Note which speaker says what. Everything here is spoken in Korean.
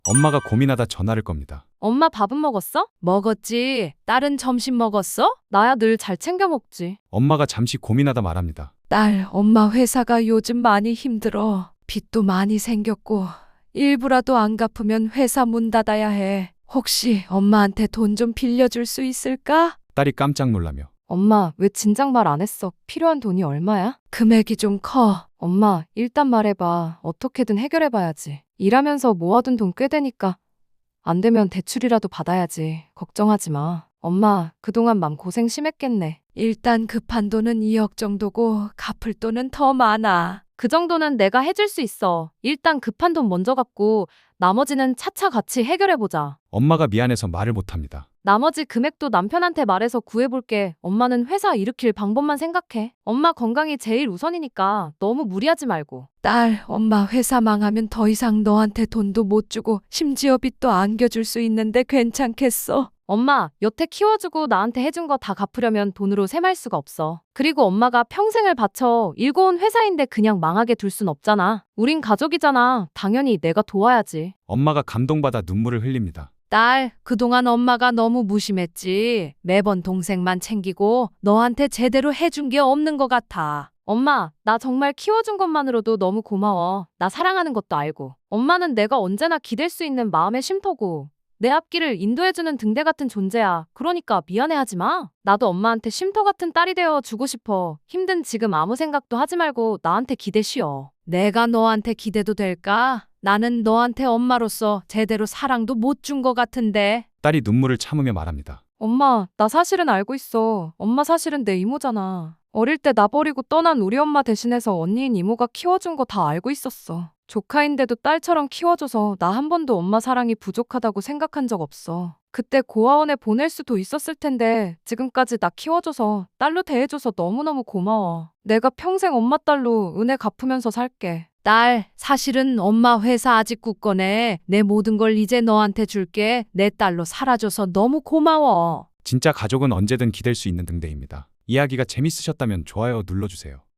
Speaker 1: 엄마가 고민하다 전화를 겁니다.
Speaker 2: 엄마 밥은 먹었어? 먹었지. 딸은 점심 먹었어? 나야 늘 잘 챙겨 먹지.
Speaker 1: 엄마가 잠시 고민하다 말합니다.
Speaker 3: 딸, 엄마 회사가 요즘 많이 힘들어. 빚도 많이 생겼고 일부라도 안 갚으면 회사 문 닫아야 해. 혹시 엄마한테 돈 좀 빌려줄 수 있을까?
Speaker 1: 딸이 깜짝 놀라며
Speaker 2: 엄마, 왜 진작 말 안 했어? 필요한 돈이 얼마야?
Speaker 3: 금액이 좀 커.
Speaker 2: 엄마, 일단 말해봐. 어떻게든 해결해봐야지. 일하면서 모아둔 돈 꽤 되니까. 안 되면 대출이라도 받아야지. 걱정하지 마. 엄마, 그동안 맘 고생 심했겠네.
Speaker 3: 일단 급한 돈은 2억 정도고 갚을 돈은 더 많아.
Speaker 2: 그 정도는 내가 해줄 수 있어. 일단 급한 돈 먼저 갚고 나머지는 차차 같이 해결해보자.
Speaker 1: 엄마가 미안해서 말을 못합니다.
Speaker 2: 나머지 금액도 남편한테 말해서 구해볼게. 엄마는 회사 일으킬 방법만 생각해. 엄마 건강이 제일 우선이니까 너무 무리하지 말고.
Speaker 3: 딸, 엄마 회사 망하면 더 이상 너한테 돈도 못 주고 심지어 빚도 안겨줄 수 있는데 괜찮겠어?
Speaker 2: 엄마, 여태 키워주고 나한테 해준 거 다 갚으려면 돈으로 셈할 수가 없어. 그리고 엄마가 평생을 바쳐 일궈 온 회사인데 그냥 망하게 둘 순 없잖아. 우린 가족이잖아. 당연히 내가 도와야지.
Speaker 1: 엄마가 감동받아 눈물을 흘립니다.
Speaker 3: 딸, 그동안 엄마가 너무 무심했지. 매번 동생만 챙기고 너한테 제대로 해준 게 없는 것 같아.
Speaker 2: 엄마, 나 정말 키워준 것만으로도 너무 고마워. 나 사랑하는 것도 알고. 엄마는 내가 언제나 기댈 수 있는 마음의 쉼터고 내 앞길을 인도해주는 등대 같은 존재야. 그러니까 미안해하지 마. 나도 엄마한테 쉼터 같은 딸이 되어 주고 싶어. 힘든 지금 아무 생각도 하지 말고 나한테 기대 쉬어.
Speaker 3: 내가 너한테 기대도 될까? 나는 너한테 엄마로서 제대로 사랑도 못 준 것 같은데.
Speaker 1: 딸이 눈물을 참으며 말합니다.
Speaker 2: 엄마, 나 사실은 알고 있어. 엄마 사실은 내 이모잖아. 어릴 때 나 버리고 떠난 우리 엄마 대신해서 언니인 이모가 키워준 거 다 알고 있었어. 조카인데도 딸처럼 키워줘서 나 한 번도 엄마 사랑이 부족하다고 생각한 적 없어. 그때 고아원에 보낼 수도 있었을 텐데 지금까지 나 키워줘서 딸로 대해줘서 너무너무 고마워. 내가 평생 엄마 딸로 은혜 갚으면서 살게.
Speaker 3: 딸, 사실은 엄마 회사 아직 굳건해. 내 모든 걸 이제 너한테 줄게. 내 딸로 살아줘서 너무 고마워.
Speaker 1: 진짜 가족은 언제든 기댈 수 있는 등대입니다. 이야기가 재밌으셨다면 좋아요 눌러주세요.